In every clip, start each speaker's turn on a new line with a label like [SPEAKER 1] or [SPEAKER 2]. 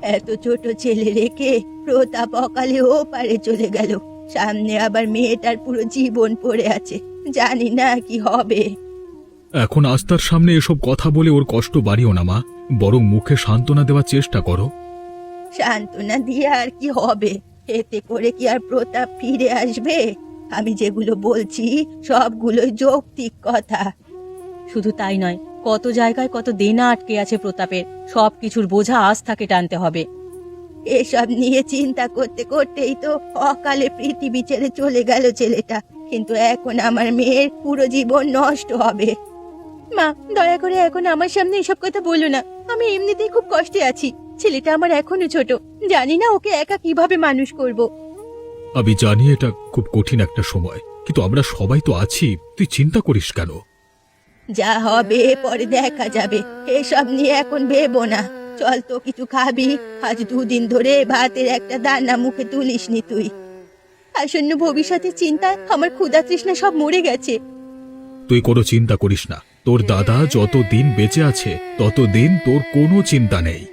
[SPEAKER 1] এত ছোট ছেলে রেখে প্রতাপ অকালে ও পারে চলে গেল। সামনে আবার মেয়েটার পুরো জীবন পড়ে আছে, জানি না কি হবে।
[SPEAKER 2] এখন আস্থার সামনে এসব কথা বলে ওর কষ্ট বাড়িও না মা, বরং মুখে সান্ত্বনা দেওয়ার চেষ্টা করো।
[SPEAKER 1] সান্ত্বনা দিয়ে আর কি হবে? এতে করে কি আর প্রতাপ ফিরে আসবে? আমি যেগুলো বলছি সবগুলোই যৌক্তিক কথা।
[SPEAKER 3] শুধু তাই নয়, কত জায়গায় কত দেনা আটকে আছে প্রতাপের, সবকিছুর বোঝা আজ তাকে টানতে হবে।
[SPEAKER 1] এসব নিয়ে চিন্তা করতে করতেই তো অকালে পৃথিবী ছেড়ে চলে গেল ছেলেটা, কিন্তু এখন আমার মেয়ের পুরো জীবন নষ্ট হবে।
[SPEAKER 3] মা, দয়া করে এখন আমার সামনে এসব কথা বলো না। আমি এমনিতেই খুব কষ্টে আছি। ছেলেটা আমার এখনো ছোট, জানি না ওকে একা কিভাবে মানুষ করব।
[SPEAKER 2] আমি জানি এটা খুব কঠিন একটা সময়, কিন্তু আমরা সবাই তো আছি, তুই চিন্তা করিস কেন?
[SPEAKER 1] যা হবে পরে দেখা যাবে, এসব নিয়ে এখন ভেবো না। চল তো কিছু খাবি, আজ 2 দিন ধরে ভাতের একটা দানা মুখে তুলিসনি তুই।
[SPEAKER 3] আসন্ন ভবিষ্যতের চিন্তায় আমার ক্ষুধা তৃষ্ণা সব মরে গেছে।
[SPEAKER 2] তুই কোনো চিন্তা করিস না, তোর দাদা যত দিন বেঁচে আছে ততদিন তোর কোনো চিন্তা নেই।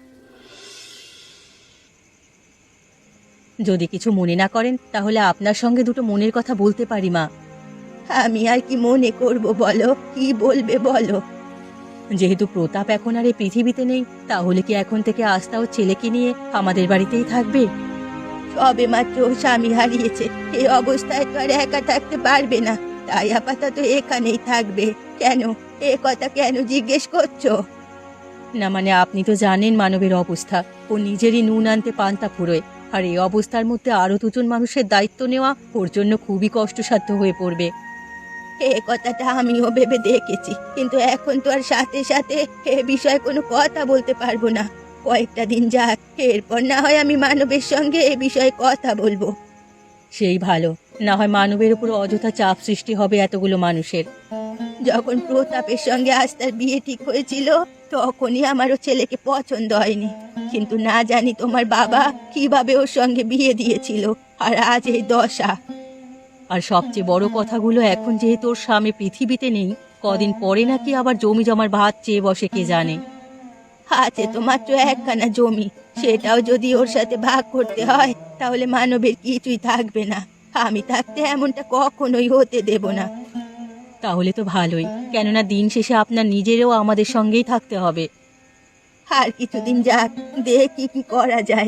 [SPEAKER 3] যদি কিছু মনে না করেন তাহলে আপনার সঙ্গে দুটো মনের কথা বলতে পারি মা।
[SPEAKER 1] আমি আর কি মনে করব বলো, কি বলবে বলো।
[SPEAKER 3] যেহেতু প্রতাপ এখন আর এই পৃথিবীতে নেই, তাহলে কি এখন থেকে আস্থা ও ছেলেকে নিয়ে আমাদের বাড়িতেই থাকবে?
[SPEAKER 1] সবে মাত্র স্বামী হারিয়েছে, এই অবস্থায় তো আর একা থাকতে পারবে না, তাই আপাতত এখানেই থাকবে। কেন, এ কথা কেন জিজ্ঞেস করছো?
[SPEAKER 3] না মানে আপনি তো জানেন মানবের অবস্থা, ও নিজেরই নুন আনতে পান্তা ফুরোয়, আর এই অবস্থার মধ্যে আরো 2জন মানুষের দায়িত্ব নেওয়া ওর জন্য খুবই কষ্টসাধ্য হয়ে পড়বে।
[SPEAKER 1] এ কথাটা আমিও ভেবে দেখেছি, কিন্তু এখন তো আর সাথে সাথে এ বিষয়ে কোনো কথা বলতে পারবো না। কয়েকটা দিন যাক, এরপর না হয় আমি মানবের সঙ্গে এ বিষয়ে কথা বলবো।
[SPEAKER 3] সেই ভালো, না হয় মানবের উপর অযথা চাপ সৃষ্টি হবে এতগুলো মানুষের।
[SPEAKER 1] যখন প্রতাপের সঙ্গে আস্থার বিয়ে ঠিক হয়েছিল তখনই আমারও ছেলেকে পছন্দ হয়নি, কিন্তু না জানি তোমার বাবা কিভাবে ওর সঙ্গে বিয়ে দিয়েছিল, আর আজ এই দশা।
[SPEAKER 3] আর সবচেয়ে বড় কথাগুলো, এখন যেহেতু ওর স্বামী পৃথিবীতে নেই, কদিন পরে নাকি আবার জমি জমার ভাত চেয়ে বসে কে জানে।
[SPEAKER 1] আছে তো মাত্র একখানা জমি, সেটাও যদি ওর সাথে ভাগ করতে হয় তাহলে মানবের কিছুই থাকবে না। আমি থাকতে এমনটা কখনোই হতে দেব না।
[SPEAKER 3] তাহলে তো ভালোই, কেননা দিন শেষে আপনার নিজেরও আমাদের সঙ্গেই থাকতে হবে।
[SPEAKER 1] আর কিছুদিন যাক, দেখি কি করা যায়।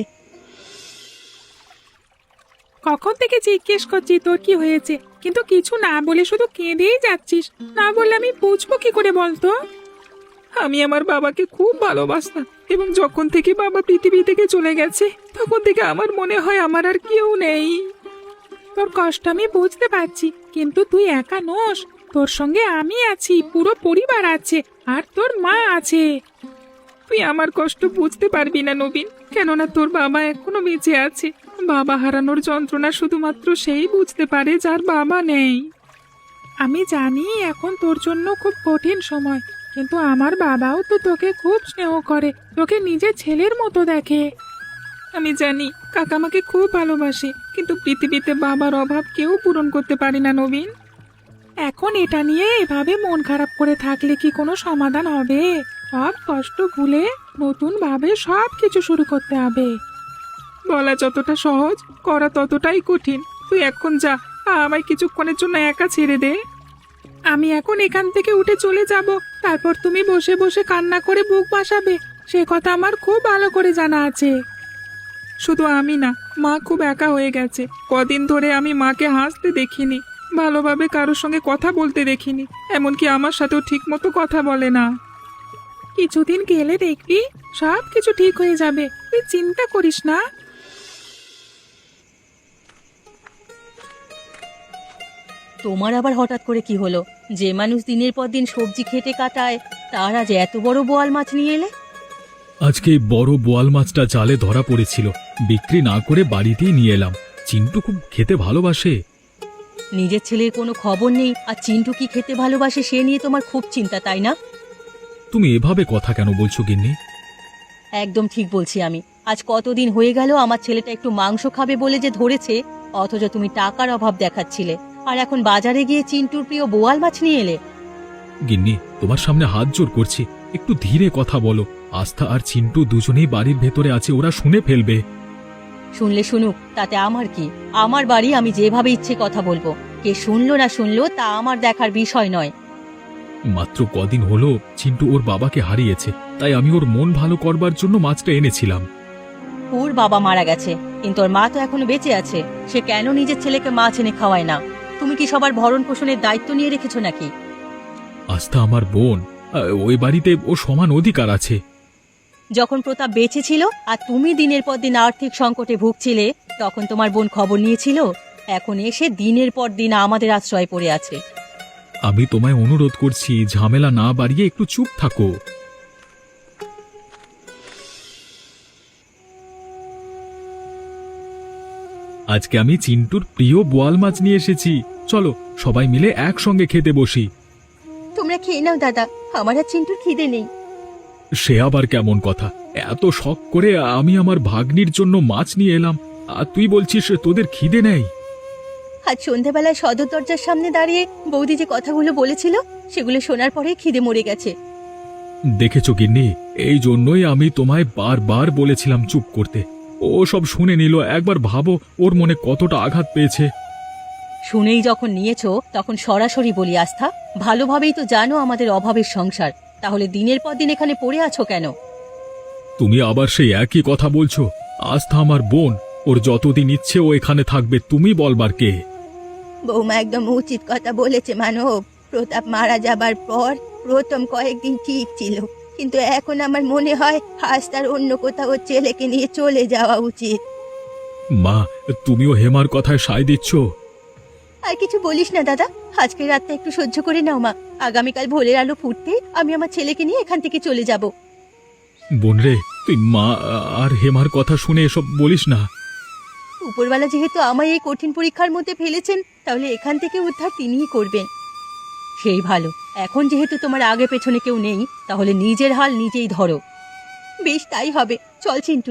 [SPEAKER 4] কখন থেকে জিজ্ঞেস করছি তোর কি হয়েছে, কিন্তু কিছু না বলে শুধু কেঁদেই যাচ্ছিস। না বললে আমি বুঝবো কি করে বলতো? আমি আমার বাবাকে খুব ভালোবাসতাম, এবং যখন থেকে বাবা পৃথিবী থেকে চলে গেছে তখন থেকে আমার মনে হয় আমার আর কেউ নেই। তোর কষ্ট আমি বুঝতে পারছি, কিন্তু তুই একা নোস, তোর সঙ্গে আমি আছি, পুরো পরিবার আছে, আর তোর মা আছে। তুই আমার কষ্ট বুঝতে পারবি না নবীন, কেননা তোর বাবা এখনো বেঁচে আছে। বাবা হারানোর যন্ত্রণা শুধুমাত্র সেই বুঝতে পারে যার বাবা নেই। আমি জানি এখন তোর জন্য খুব কঠিন সময়, কিন্তু আমার বাবাও তো তোকে খুব স্নেহ করে, তোকে নিজের ছেলের মতো দেখে। আমি জানি কাকামাকে খুব ভালোবাসে, কিন্তু পৃথিবীতে বাবার অভাব কেউ পূরণ করতে পারে না নবীন। এখন এটা নিয়ে এভাবে মন খারাপ করে থাকলে কি কোনো সমাধান হবে? সব কষ্ট ভুলে নতুন ভাবে সব কিছু শুরু করতে হবে। বলা যতটা সহজ, করা ততটাই কঠিন। তুই এখন যা, আমায় কিছুক্ষণের জন্য একা ছেড়ে দে। আমি এখন এখান থেকে উঠে চলে যাব, তারপর তুমি বসে বসে কান্না করে বুক ভাসাবে, সে কথা আমার খুব ভালো করে জানা আছে। শুধু আমি না, মা খুব একা হয়ে গেছে। কদিন ধরে আমি মাকে হাসতে দেখিনি, ভালোভাবে কারোর সঙ্গে কথা বলতে দেখিনি, এমনকি আমার সাথেও ঠিক মতো কথা বলে না। কিছুদিন গেলে দেখবি সব কিছু ঠিক হয়ে যাবে, তুই চিন্তা করিস না।
[SPEAKER 3] তোমার আবার হঠাৎ করে কি হলো? যে মানুষ দিনের পর দিন সবজি খেটে কাটায়, তার আজ এত বড় বোয়াল মাছ নিয়ে এলে?
[SPEAKER 2] আজকে এই বড় বোয়াল মাছটা জালে ধরা পড়েছিল, বিক্রি না করে বাড়িতেই নিয়ে এলাম। চিন্টু খুব খেতে ভালোবাসে।
[SPEAKER 3] নিজের ছেলের কোনো খবর নেই, আর চিন্টু কি খেতে ভালোবাসে সে নিয়ে তোমার খুব চিন্তা, তাই না?
[SPEAKER 2] তুমি এভাবে কথা কেন বলছো গিন্নি?
[SPEAKER 3] একদম ঠিক বলছি আমি। আজ কতদিন হয়ে গেল আমার ছেলেটা একটু মাংস খাবে বলে যে ধরেছে, অথচ তুমি টাকার অভাব দেখাচ্ছিলে, আর এখন বাজারে গিয়ে চিন্টুর প্রিয় বোয়াল মাছ নিয়ে এলে।
[SPEAKER 2] গিন্নি, তোমার সামনে হাত জোর করছি, একটু ধীরে কথা বলো। আস্থা আর চিন্টু দুজনেই বাড়ির ভেতরে আছে, ওরা শুনে ফেলবে।
[SPEAKER 3] শুনলে শুনুক, তাতে আমার কি? আমার বাড়ি, আমি যেভাবে ইচ্ছে কথা বলবো। কে শুনলো না শুনলো তা আমার দেখার বিষয় নয়।
[SPEAKER 2] মাত্র কদিন হলো চিন্টু ওর বাবাকে হারিয়েছে, তাই আমি ওর মন ভালো করবার জন্য মাছটা এনেছিলাম।
[SPEAKER 3] ওর বাবা মারা গেছে, কিন্তু ওর মা তো এখনো বেঁচে আছে। সে কেন নিজের ছেলেকে মাছ এনে খাওয়ায় না? তুমি কি সবার ভরণ পোষণের দায়িত্ব নিয়ে রেখেছো নাকি?
[SPEAKER 2] আস্থা আমার বোন, ওই বাড়িতে ও সমান অধিকার আছে।
[SPEAKER 3] যখন প্রতাপ বেঁচে ছিল আর তুমি দিনের পর দিন আর্থিক সংকটে ভুগছিলে, তখন তোমার বোন খবর নিয়েছিল? এখন এসে দিনের পর দিন আমাদের আশ্রয় পড়ে আছে।
[SPEAKER 2] আমি তোমায় অনুরোধ করছি, ঝামেলা না বাড়িয়ে একটু চুপ থাকো। আজকে আমি চিন্টুর প্রিয় বোয়াল মাছ নিয়ে এসেছি, চলো সবাই মিলে একসঙ্গে খেতে বসি।
[SPEAKER 1] তোমরা খেয়ে নাও দাদা, আমার আর চিন্টুর খিদে নেই।
[SPEAKER 2] সে আবার কেমন কথা? এত শখ করে আমি আমার ভাগ্নির জন্য মাছ নিয়ে এলাম, আর তুই বলছিস তোদের খিদে নেই?
[SPEAKER 1] আজ সন্ধেবেলায় সদর দরজার সামনে দাঁড়িয়ে বৌদি যে কথাগুলো বলেছিল, সেগুলো শোনার পরে খিদে মরে গেছে।
[SPEAKER 2] দেখেছো গিন্নি, এই জন্যই আমি তোমায় বারবার বলেছিলাম চুপ করতে। ও সব শুনে নিল। একবার ভাবো ওর মনে কতটা আঘাত পেয়েছে।
[SPEAKER 3] শুনেই যখন নিয়েছো তখন সরাসরি বলি, আস্থা, ভালোভাবেই তো জানো আমাদের অভাবের সংসার, তাহলে দিনের পর দিন এখানে পড়ে আছো কেন?
[SPEAKER 2] তুমি আবার সেই একই কথা বলছো? আস্থা আমার বোন, ওর যতদিন ইচ্ছে ও এখানে থাকবে, তুমি বলবার কে?
[SPEAKER 1] বৌমা একদম উচিত কথা বলেছে মানব। প্রতাপ মারা যাবার পর প্রথম কয়েকদিন ঠিক ছিল, কিন্তু এখন আমার মনে হয় আজ তার অন্য কোথাও ওর ছেলেকে নিয়ে চলে যাওয়া উচিত।
[SPEAKER 2] মা, তুমিও হেমার কথায় সায় দিচ্ছ?
[SPEAKER 1] আর কিছু বলিস না দাদা, আজকের রাতটা একটু সহ্য করে নাও মা। আগামীকাল ভোরের আলো ফুটতে আমি আমার ছেলেকে নিয়ে এখান থেকে চলে যাব।
[SPEAKER 2] বোন রে, তুই মা আর হেমার কথা শুনে এসব বলিস না।
[SPEAKER 1] উপরওয়ালা যেহেতু আমায় এই কঠিন পরীক্ষার মধ্যে ফেলেছেন, তাহলে এখান থেকে উদ্ধার তিনিই করবেন।
[SPEAKER 3] সেই ভালো, এখন যেহেতু তোমার আগে পেছনে কেউ নেই, তাহলে নিজের হাল নিজেই ধরো।
[SPEAKER 1] বেশ, তাই হবে। চল চিন্টু।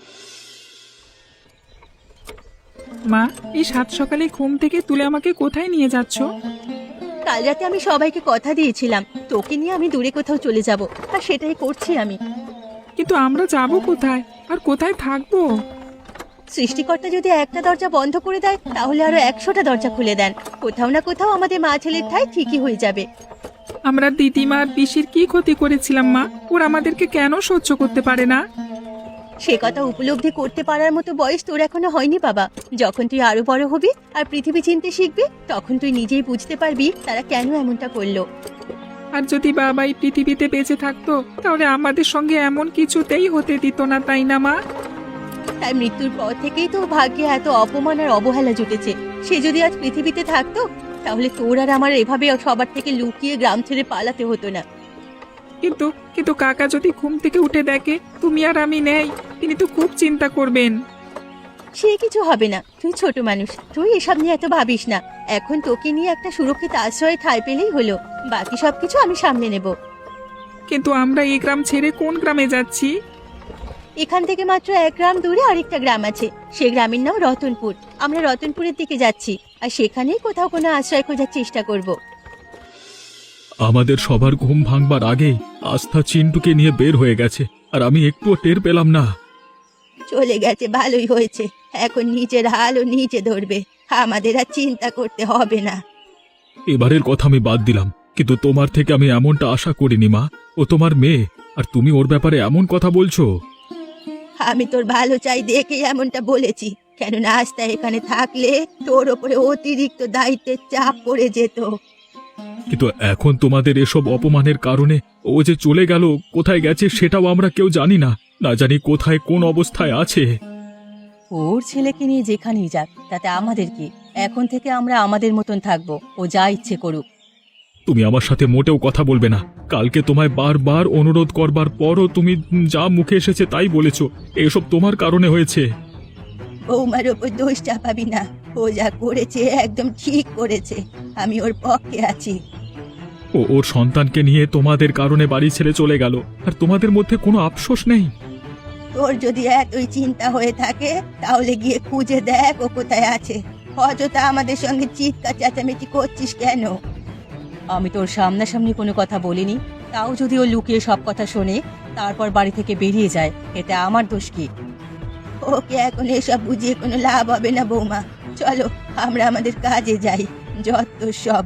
[SPEAKER 4] মা, এই সাত সকালে ঘুম থেকে তুলে আমাকে কোথায় নিয়ে যাচ্ছ?
[SPEAKER 1] কাল রাতে আমি সবাইকে কথা দিয়েছিলাম, তোকে নিয়ে আমি দূরে কোথাও চলে যাব, আর সেটাই করছি আমি।
[SPEAKER 4] কিন্তু আমরা যাব কোথায় আর কোথায় থাকবো?
[SPEAKER 1] সৃষ্টিকর্তা যদি একটা দরজা বন্ধ করে দেয়, তাহলে আরো 100টা দরজা খুলে দেন। কোথাও না কোথাও আমাদের মা ছেলের ঠাঁই ঠিকই হয়ে যাবে।
[SPEAKER 4] আমরা দিদিমা আর পিসির কি ক্ষতি করেছিলাম মা? ওরা আমাদেরকে কেন সহ্য করতে পারে না?
[SPEAKER 1] সে কথা উপলব্ধি করতে পারার মতো বয়স তোর এখনো হয়নি বাবা। যখন তুই আরো বড় হবি আর পৃথিবী চিনতে শিখবি, তখন তুই নিজেই বুঝতে পারবি তারা কেন এমনটা করলো।
[SPEAKER 4] আর যদি বাবা এই পৃথিবীতে বেঁচে থাকতো, তাহলে আমাদের সঙ্গে এমন কিছুতেই হতে দিত না, তাই না মা?
[SPEAKER 1] তার মৃত্যুর পর থেকেই তো ভাগ্যে এত অপমান আর অবহেলা জুটেছে। সে যদি আজ পৃথিবীতে থাকতো, তাহলে তোর আর আমার এভাবে সবার থেকে লুকিয়ে গ্রাম ছেড়ে পালাতে হতো না।
[SPEAKER 4] কিন্তু কিন্তু কাকা যদি ঘুম থেকে উঠে দেখে তুমি আর আমি নেই, তিনি তো খুব চিন্তা করবেন।
[SPEAKER 1] সে কিছু হবে না, তুই ছোট মানুষ, তুই এসব নিয়ে এত ভাবিস না। এখন তোকে নিয়ে একটা সুরক্ষিত আশ্রয়ে ঠাঁই পেলেই হলো, বাকি সবকিছু আমি সামলে নেব।
[SPEAKER 4] কিন্তু আমরা এই গ্রাম ছেড়ে কোন গ্রামে যাচ্ছি?
[SPEAKER 1] এখান থেকে মাত্র 1 গ্রাম দূরে আরেকটা গ্রাম আছে, সে গ্রামের নাম রতনপুর। আমরা রতনপুরের দিকে যাচ্ছি, আর সেখানেই কোথাও কোনো আশ্রয় খোঁজার চেষ্টা করব।
[SPEAKER 2] আমাদের সবার ঘুম ভাঙবার আগেই আস্থা চিন্টুকে নিয়ে বের হয়ে গেছে, আর আমি একটুও টের পেলাম না।
[SPEAKER 1] চলে গেছে, ভালোই হয়েছে। এখন নিজের হালও নিজে ধরবে, আমাদের আর চিন্তা করতে হবে না।
[SPEAKER 2] এবারের কথা আমি বাদ দিলাম, কিন্তু তোমার থেকে আমি এমনটা আশা করিনি মা। ও তোমার মেয়ে, আর তুমি ওর ব্যাপারে এমন কথা বলছো।
[SPEAKER 1] আমি তোর ভালো চাই দেখে এমনটা বলেছি, কেননা আস্থা এখানে থাকলে তোর ওপরে অতিরিক্ত দায়িত্বের চাপ পড়ে যেত।
[SPEAKER 2] কিন্তু এখন তোমাদের এসব অপমানের কারণে ও যে চলে গেল, কোথায় গেছে সেটাও আমরা কেউ জানি না। না জানি কোথায় কোন অবস্থায় আছে।
[SPEAKER 3] ওর ছেলেকে নিয়ে যেখানেই যাক, তাতে আমাদের কি? এখন থেকে আমরা আমাদের মতন থাকবো, ও যা ইচ্ছে করুক।
[SPEAKER 2] তুমি আমার সাথে মোটেও কথা বলবে না। কালকে তোমায় বারবার অনুরোধ করবার পরও তুমি যা মুখে এসেছে তাই বলেছো। এসব তোমার কারণে হয়েছে।
[SPEAKER 1] বৌমার ওপর দোষ চাপাবি না, ও যা করেছে একদম ঠিক করেছে, আমি ওর পক্ষে আছি।
[SPEAKER 2] ও ওর সন্তানকে নিয়ে তোমাদের কারণে বাড়ি ছেড়ে চলে গেল, আর তোমাদের মধ্যে কোনো আফসোস নেই?
[SPEAKER 1] তোর যদি এতই চিন্তা হয়ে থাকে, তাহলে গিয়ে খুঁজে দেখ ও কোথায় আছে। অযথা আমাদের সঙ্গে চিৎকার চেঁচামেচি করছিস কেন?
[SPEAKER 3] আমি তোর সামনাসামনি কোনো কথা বলিনি, তাও যদি ও লুকিয়ে সব কথা শোনে তারপর বাড়ি থেকে বেরিয়ে যায়, এতে আমার দোষ কি?
[SPEAKER 1] ওকে এখন এসব বুঝিয়ে কোনো লাভ হবে না বৌমা। চলো আমরা আমাদের কাজে যাই, যত সব।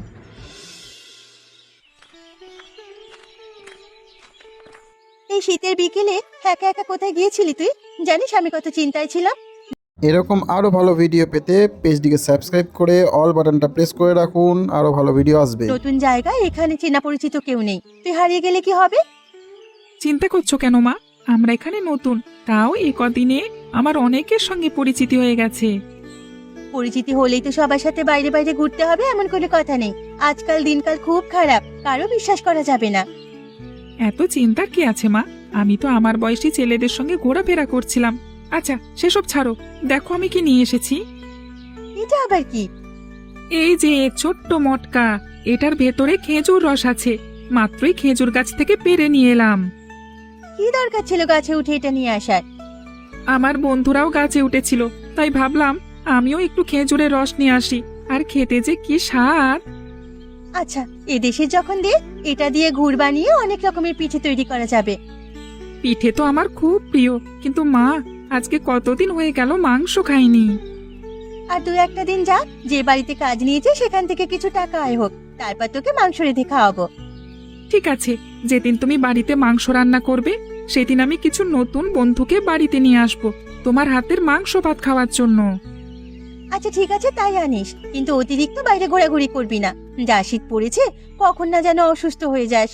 [SPEAKER 1] এই শীতের বিকেলে একা একা কোথায় গিয়েছিলি তুই? জানিস আমি কত চিন্তায় ছিলাম।
[SPEAKER 5] এরকম আরও ভালো ভিডিও পেতে পেজটিকে সাবস্ক্রাইব করে অল বাটনটা প্রেস করে রাখুন, আরও ভালো ভিডিও আসবে।
[SPEAKER 1] নতুন জায়গা, এখানে চেনা পরিচিত কেউ নেই, তুই হারিয়ে গেলে কি হবে?
[SPEAKER 4] চিন্তা করছো কেন মা? আমরা এখানে নতুন, তাও এই কদিনে আমার অনেকের সঙ্গে পরিচিতি হয়ে গেছে।
[SPEAKER 1] পরিচিতি হলেই তো সবার সাথে বাইরে বাইরে ঘুরতে হবে এমন কোনো কথা নেই। আজকাল দিনকাল খুব খারাপ, কারো বিশ্বাস করা যাবে না।
[SPEAKER 4] এত চিন্তার কি আছে মা? আমি তো আমার বয়সী ছেলেদের সঙ্গে ঘোরাফেরা করছিলাম। আচ্ছা সেসব ছাড়ো, দেখো আমি কি নিয়ে এসেছি।
[SPEAKER 1] এটা আবার কি?
[SPEAKER 4] এই যে ছোট্ট মটকা, এটার ভেতরে খেজুর রস আছে। মাত্রই খেজুর গাছ থেকে পেড়ে নিয়ে এলাম।
[SPEAKER 1] কি দরকার ছিল গাছে উঠে এটা নিয়ে আসার?
[SPEAKER 4] আমার বন্ধুরাও গাছে উঠেছিল, তাই ভাবলাম আমিও একটু খেজুরের রস নিয়ে আসি। আর খেতে যে কি স্বাদ!
[SPEAKER 1] আচ্ছা, এদেশে যখন দে, এটা দিয়ে গুড় বানিয়ে অনেক রকমের পিঠে তৈরি করা যাবে।
[SPEAKER 4] পিঠে তো আমার খুব প্রিয়, কিন্তু মা আজকে কতদিন হয়ে গেল মাংস খাইনি।
[SPEAKER 1] আর তুই একটা দিন যা, যে বাড়িতে কাজ নিয়েছে সেখান থেকে কিছু টাকা আয় হোক, তারপর তোকে মাংস রেঁধে খাওয়াবো।
[SPEAKER 4] ঠিক আছে, যেদিন তুমি বাড়িতে মাংস রান্না করবে সেদিন আমি কিছু নতুন বন্ধুকে বাড়িতে নিয়ে আসবো তোমার হাতের মাংস ভাত খাওয়ার জন্য।
[SPEAKER 1] আচ্ছা ঠিক আছে, তাই আনিস, কিন্তু অতিরিক্ত বাইরে ঘোরাঘুরি করবি না। যা শীত পড়েছে, কখন না যেন অসুস্থ হয়ে যাস।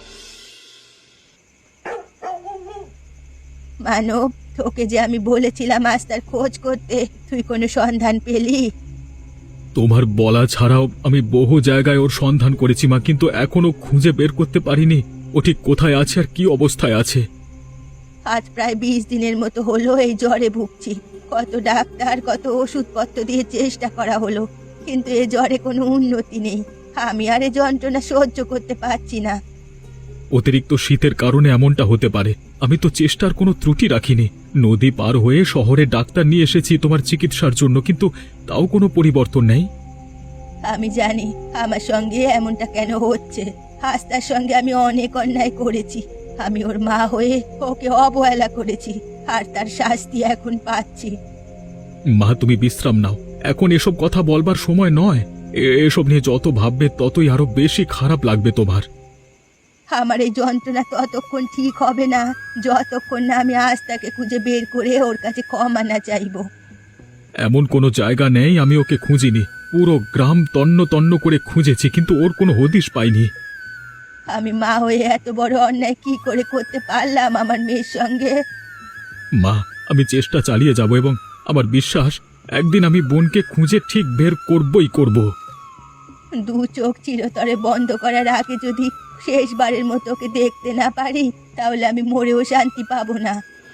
[SPEAKER 1] মানব, তোকে যে আমি বলেছিলাম আস্তার খোঁজ করতে, তুই কোনো সন্ধান পেলি?
[SPEAKER 2] তোমার বলা ছাড়াও আমি বহু জায়গায় ওর সন্ধান করেছি মা, কিন্তু এখনো খুঁজে বের করতে পারিনি ও ঠিক কোথায় আছে আর কি অবস্থায় আছে।
[SPEAKER 1] আজ প্রায় 20 দিনের মতো হলো এই জ্বরে ভুগছি। কত ডাক্তার, কত ওষুধপত্র দিয়ে চেষ্টা করা হলো, কিন্তু এ জ্বরে কোনো উন্নতি নেই। আমি আর এ যন্ত্রণা সহ্য করতে পারছি না।
[SPEAKER 2] অতিরিক্ত শীতের কারণে এমনটা হতে পারে। আমি তো চেষ্টার কোনো ত্রুটি রাখিনি। নদী পার হয়ে শহরে ডাক্তার নিয়ে এসেছি তোমার চিকিৎসার জন্য, কিন্তু তাও কোনো পরিবর্তন নেই।
[SPEAKER 1] আমি জানি আমার সঙ্গে এমনটা কেন হচ্ছে। আস্তার সঙ্গে আমি অনেক অন্যায় করেছি। আমি ওর মা হয়ে ওকে অবহেলা করেছি, আর তার শাস্তি এখন পাচ্ছি।
[SPEAKER 2] মা তুমি বিশ্রাম নাও, এখন এসব কথা বলবার সময় নয়। এসব নিয়ে যত ভাববে ততই আরো বেশি খারাপ লাগবে তোমার।
[SPEAKER 1] আমার এই যন্ত্রণা ততক্ষণ ঠিক হবে না যতক্ষণ না আমি আস্তাকে খুঁজে বের করে ওর কাছে ক্ষমা না চাইবো।
[SPEAKER 2] এমন কোনো জায়গা নেই আমি ওকে খুঁজিনি। পুরো গ্রাম তন্ন তন্ন করে খুঁজেছি, কিন্তু ওর কোনো হদিশ পাইনি।
[SPEAKER 1] আমি মা হয়ে এত বড় অন্যায় কি করে করতে পারলাম আমার মেয়ের সঙ্গে?
[SPEAKER 2] মা, আমি চেষ্টা চালিয়ে যাব এবং আমার বিশ্বাস একদিন আমি বোনকে খুঁজে ঠিক বের করবই করব।
[SPEAKER 1] দু চোখ চিরতরে বন্ধ করার আগে যদি শেষবারের মতো ওকে দেখতে না পারি, তাহলে আমি মরেও শান্তি পাবো না।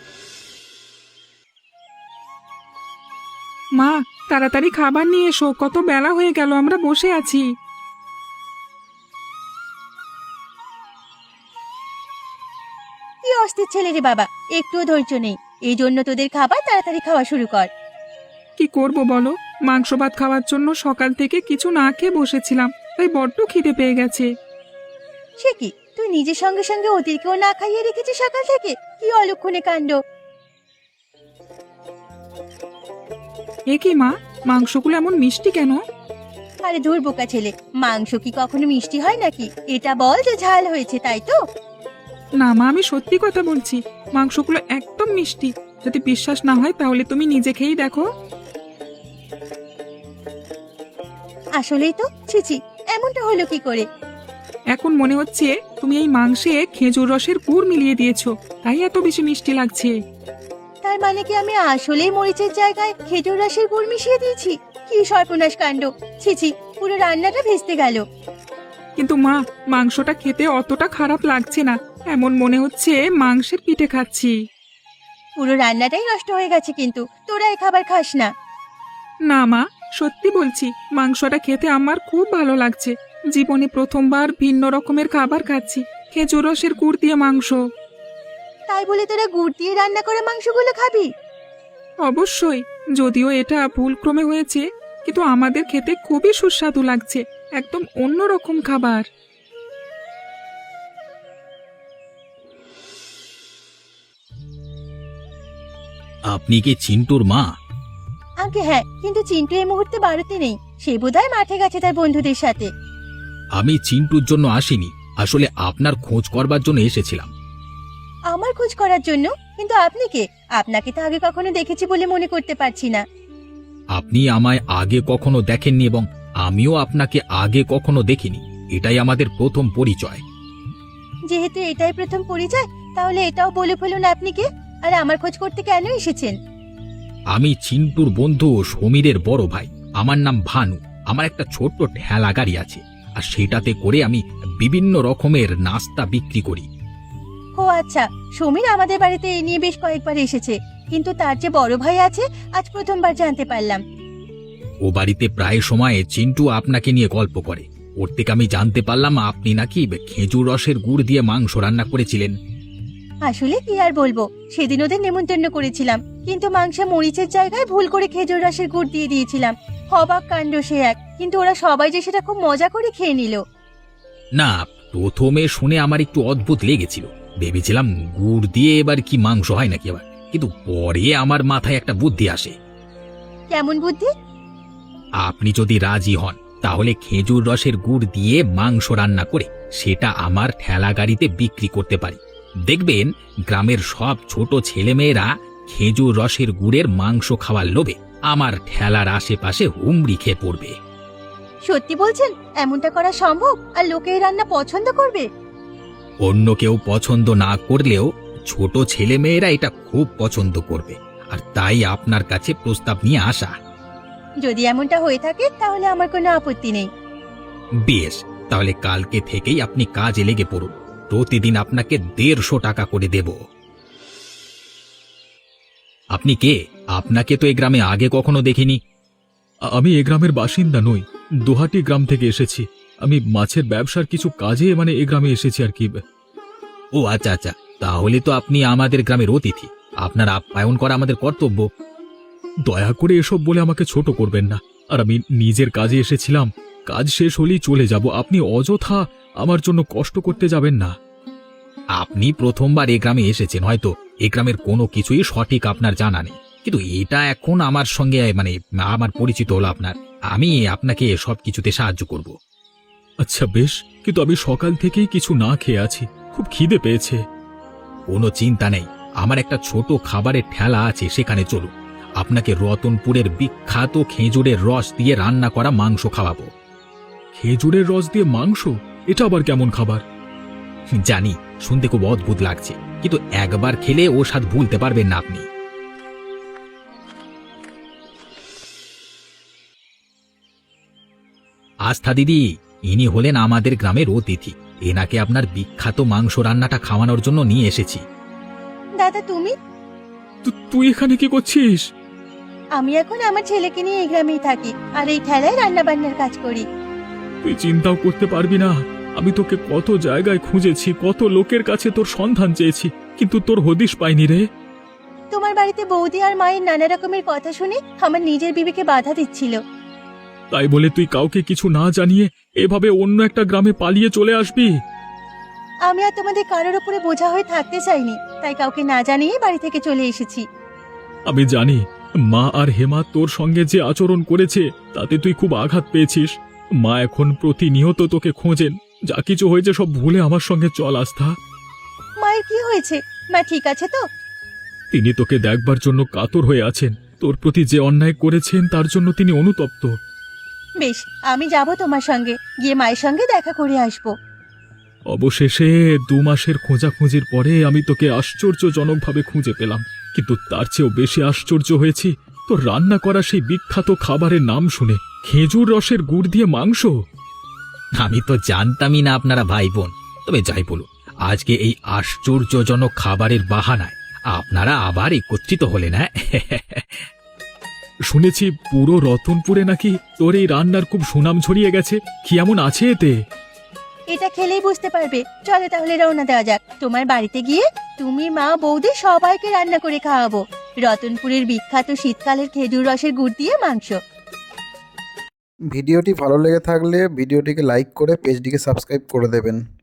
[SPEAKER 4] মা তাড়াতাড়ি খাবার নিয়ে এসো, কত বেলা হয়ে গেল, আমরা বসে আছি।
[SPEAKER 1] কি অস্থির ছেলে রে বাবা, একটুও ধৈর্য নেই। এই জন্য তোদের খাবার তাড়াতাড়ি খাওয়া শুরু কর।
[SPEAKER 4] কি করব বলো, মাংস ভাত খাওয়ার জন্য সকাল থেকে কিছু না খেয়ে বসেছিলাম, তাই বড্ড খিদে পেয়ে গেছে।
[SPEAKER 1] সে কি, তুই নিজের সঙ্গে সঙ্গে ওদেরকেও না খাইয়ে রেখেছিস সকাল থেকে? কি অলক্ষণে কাণ্ড!
[SPEAKER 4] এ কি মা, মাংসগুলো এমন মিষ্টি কেন?
[SPEAKER 1] আরে ধুর বোকা ছেলে, মাংস কি কখনো মিষ্টি হয় নাকি? এটা বল যে ঝাল হয়েছে, তাই তো?
[SPEAKER 4] না মা, আমি সত্যি কথা বলছি, মাংসগুলো একদম মিষ্টি। যদি বিশ্বাস না হয় তাহলে তুমি নিজে খেয়েই দেখো।
[SPEAKER 1] আসলেই তো, ছিছি, এমনটা হলো কি করে?
[SPEAKER 4] এখন মনে হচ্ছে তুমি এই মাংসে খেজুর রসের গুড় মিলিয়ে দিয়েছো, তাই এত বেশি মিষ্টি লাগছে।
[SPEAKER 1] তার মানে কি আমি আসলেই মরিচের জায়গায় খেজুর রসের গুড় মিশিয়ে দিয়েছি? কি সর্বনাশ কাণ্ড! ছিছি, পুরো রান্নাটা ভেস্তে গেল।
[SPEAKER 4] কিন্তু মা, মাংসটা খেতে অতটা খারাপ লাগছে না, এমন মনে হচ্ছে মাংসের পিঠে খাচ্ছি।
[SPEAKER 1] পুরো রান্নাটাই নষ্ট হয়ে গেছে, কিন্তু তোরা এই খাবার খাস না।
[SPEAKER 4] না মা, সত্যি বলছি, মাংসটা খেতে আমার খুব ভালো লাগছে। জীবনে প্রথমবার ভিন্ন রকমের খাবার খাচ্ছি, খেজুর রসের গুড় দিয়ে মাংস।
[SPEAKER 1] তাই বলে তোরা গুড় দিয়ে রান্না করা মাংসগুলো খাবি?
[SPEAKER 4] অবশ্যই, যদিও এটা ভুলক্রমে হয়েছে, কিন্তু আমাদের খেতে খুবই সুস্বাদু লাগছে, একদম অন্যরকম খাবার।
[SPEAKER 6] আপনি কি চিন্টুর মা?
[SPEAKER 1] আগে হ্যাঁ, কিন্তু চিন্টু এই মুহূর্তে বাড়িতে নেই, সে বোধহয় মাঠে গেছে তার বন্ধুদের সাথে।
[SPEAKER 6] আমি চিন্টুর জন্য আসিনি, আসলে আপনার খোঁজ করবার জন্য এসেছিলাম।
[SPEAKER 1] আমার খোঁজ করার জন্য? কিন্তু আপনি কে? আপনাকে তো আগে কখনো দেখেছি বলে মনে করতে পারছি না।
[SPEAKER 6] আপনি আমায় আগে কখনো দেখেননি এবং আমিও আপনাকে আগে কখনো দেখিনি। এটাই আমাদের প্রথম পরিচয়।
[SPEAKER 1] যেহেতু এটাই প্রথম পরিচয়, তাহলে এটাও বলে ফেলুন আপনি কে, আর আমার খোঁজ করতে কেন এসেছেন?
[SPEAKER 6] আমি চিন্টুর বন্ধু সমীরের বড় ভাই। আমার নাম ভানু। আমার একটা ছোট্ট ঠেলা গাড়ি আছে, আর সেটাতে করে আমি বিভিন্ন রকমের নাস্তা বিক্রি করি।
[SPEAKER 1] ও আচ্ছা, সমীর আমাদের বাড়িতে এই নিয়ে বেশ কয়েকবার এসেছে, কিন্তু তার যে বড় ভাই আছে আজ প্রথমবার জানতে পারলাম।
[SPEAKER 6] ও বাড়িতে প্রায় সময় চিন্টু আপনাকে নিয়ে গল্প করে। ওর থেকে আমি জানতে পারলাম আপনি নাকি খেজুর রসের গুড় দিয়ে মাংস রান্না করেছিলেন।
[SPEAKER 1] আসলে কি আর বলবো, সেদিন ওদের নেমন্তন্ন করেছিলাম, কিন্তু মাংসে মরিচের জায়গায় ভুল করে খেজুর রসের গুড় দিয়ে দিয়েছিলাম। অবাক কাণ্ড সে এক, কিন্তু ওরা সবাই যে সেটা খুব মজা করে খেয়ে নিল।
[SPEAKER 6] না, প্রথমে শুনে আমার একটু অদ্ভুত লেগেছিল। ভেবেছিলাম গুড় দিয়ে এবার কি মাংস হয় নাকি আবার, কিন্তু পরে আমার মাথায় একটা বুদ্ধি আসে।
[SPEAKER 1] কেমন বুদ্ধি?
[SPEAKER 6] আপনি যদি রাজি হন তাহলে খেজুর রসের গুড় দিয়ে মাংস রান্না করে সেটা আমার ঠেলা গাড়িতে বিক্রি করতে পারি। দেখবেন গ্রামের সব ছোট ছেলেমেয়েরা খেজুর রসের গুড়ের মাংস খাওয়ার লোভে আমার ঠেলার আশেপাশে হুমড়ি খেয়ে পড়বে।
[SPEAKER 1] সত্যি বলছেন? এমনটা করা সম্ভব? আর লোকে এই রান্না পছন্দ করবে?
[SPEAKER 6] অন্য কেউ পছন্দ না করলেও ছোট ছেলেমেয়েরা এটা খুব পছন্দ করবে, আর তাই আপনার কাছে প্রস্তাব নিয়ে আসা।
[SPEAKER 1] যদি এমনটা হয়ে থাকে তাহলে আমার কোনো আপত্তি নেই।
[SPEAKER 6] বেশ, তাহলে কালকে থেকেই আপনি কাজে লেগে পড়ুন। প্রতিদিন আপনাকে 150 টাকা করে দেব। আপনি কে? আপনাকে তো এই গ্রামে আগে কখনো দেখিনি।
[SPEAKER 2] আমি এ গ্রামের বাসিন্দা নই, দোহাটি গ্রাম থেকে এসেছি। আমি মাছের ব্যবসার কিছু কাজে এ গ্রামে এসেছি আর কি।
[SPEAKER 6] ও আচ্ছা আচ্ছা, তাহলে তো আপনি আমাদের গ্রামের অতিথি। আপনার আপ্যায়ন করা আমাদের কর্তব্য।
[SPEAKER 2] দয়া করে এসব বলে আমাকে ছোট করবেন না। আর আমি নিজের কাজে এসেছিলাম, কাজ শেষ হলেই চলে যাব। আপনি অযথা আমার জন্য কষ্ট করতে যাবেন না।
[SPEAKER 6] আপনি প্রথমবার এ গ্রামে এসেছেন, হয়তো এ গ্রামের কোনো কিছুই সঠিক আপনার জানা নেই, কিন্তু এটা এখন আমার সঙ্গে আমার পরিচিত হলো আপনার। আমি আপনাকে সব কিছুতে সাহায্য করব।
[SPEAKER 2] আচ্ছা বেশ, কিন্তু আমি সকাল থেকেই কিছু না খেয়ে আছি, খুব খিদে পেয়েছে।
[SPEAKER 6] কোনো চিন্তা নেই, আমার একটা ছোট খাবারের ঠেলা আছে, সেখানে চলুন। আপনাকে রতনপুরের বিখ্যাত খেজুরের রস দিয়ে রান্না করা মাংস খাওয়াবো।
[SPEAKER 2] খেজুরের রস দিয়ে মাংস? এটা আবার কেমন খাবার?
[SPEAKER 6] জানি শুনতে খুব অদ্ভুত লাগছে, কিন্তু একবার খেলে ও স্বাদ ভুলতে পারবেন না আপনি। আস্থা দিদি, ইনি হলেন আমাদের গ্রামের অতিথি। এনাকে আপনার বিখ্যাত মাংস রান্নাটা খাওয়ানোর জন্য নিয়ে এসেছি।
[SPEAKER 1] দাদা তুমি?
[SPEAKER 2] তুই এখানে কি করছিস?
[SPEAKER 1] আমি এখন আমার ছেলেকে নিয়ে এই গ্রামেই থাকি, আর এই ঠেলায় রান্না বান্নার কাজ করি।
[SPEAKER 2] তুই চিন্তাও করতে পারবি না, আমি তোকে কত জায়গায় খুঁজেছি, কত লোকের কাছে তোর সন্ধান চেয়েছি, কিন্তু তোর হদিশ পাইনি রে।
[SPEAKER 1] তোমার বাড়িতে বৌদি আর মায়ের নানা রকমের কথা শুনে আমার নিজের বিবেকে বাধা দিচ্ছিল।
[SPEAKER 2] তাই বলে তুই কাউকে কিছু না জানিয়ে এভাবে অন্য একটা গ্রামে পালিয়ে চলে আসবি?
[SPEAKER 1] আমি আর তোমাদের কারোর উপরে বোঝা হয়ে থাকতে চাইনি, তাই কাউকে না জানিয়ে বাড়ি থেকে চলে এসেছি।
[SPEAKER 2] আমি জানি মা আর হেমা তোর সঙ্গে যে আচরণ করেছে তাতে তুই খুব আঘাত পেয়েছিস। মা এখন প্রতিনিয়ত তোকে খোঁজেন। যা কিছু হয়েছে সব ভুলে আমার সঙ্গে চল আস্থা।
[SPEAKER 1] মায়ের কি হয়েছে? মা ঠিক আছে তো?
[SPEAKER 2] তিনি তোকে দেখবার জন্য কাতর হয়ে আছেন। তোর প্রতি যে অন্যায় করেছেন তার জন্য তিনি অনুতপ্ত।
[SPEAKER 1] বেশ, আমি যাব তোমার সঙ্গে, গিয়ে মায়ের সঙ্গে দেখা করে আসবো।
[SPEAKER 2] অবশেষে 2 মাসের খোঁজাখুঁজির পরে আমি তোকে আশ্চর্যজনকভাবে খুঁজে পেলাম, কিন্তু তার চেয়েও বেশি আশ্চর্য হয়েছি তোর রান্না করা সেই বিখ্যাত খাবারের নাম শুনে, খেজুর রসের গুড় দিয়ে মাংস।
[SPEAKER 6] আমি তো জানতামই না আপনারা ভাই বোন। তবে যাই বলুন, আজকে এই আশ্চর্যজনক খাবারের বাহানায় আপনারা আবার একত্রিত হলেন। হ্যাঁ,
[SPEAKER 2] শুনেছি পুরো রতনপুরে নাকি তোর এই রান্নার খুব সুনাম ছড়িয়ে গেছে। কি এমন আছে এতে?
[SPEAKER 1] এটা খেলেই বুঝতে পারবে। চলো তাহলে রওনা দেওয়া যাক। তোমার বাড়িতে গিয়ে তুমি, মা, বৌদি সবাইকে রান্না করে খাওয়াবো রতনপুরের বিখ্যাত শীতকালের খেজুর রসের গুড় দিয়ে মাংস।
[SPEAKER 5] ভিডিওটি ভালো লেগে থাকলে ভিডিওটিকে লাইক করে পেজটিকে সাবস্ক্রাইব করে দেবেন।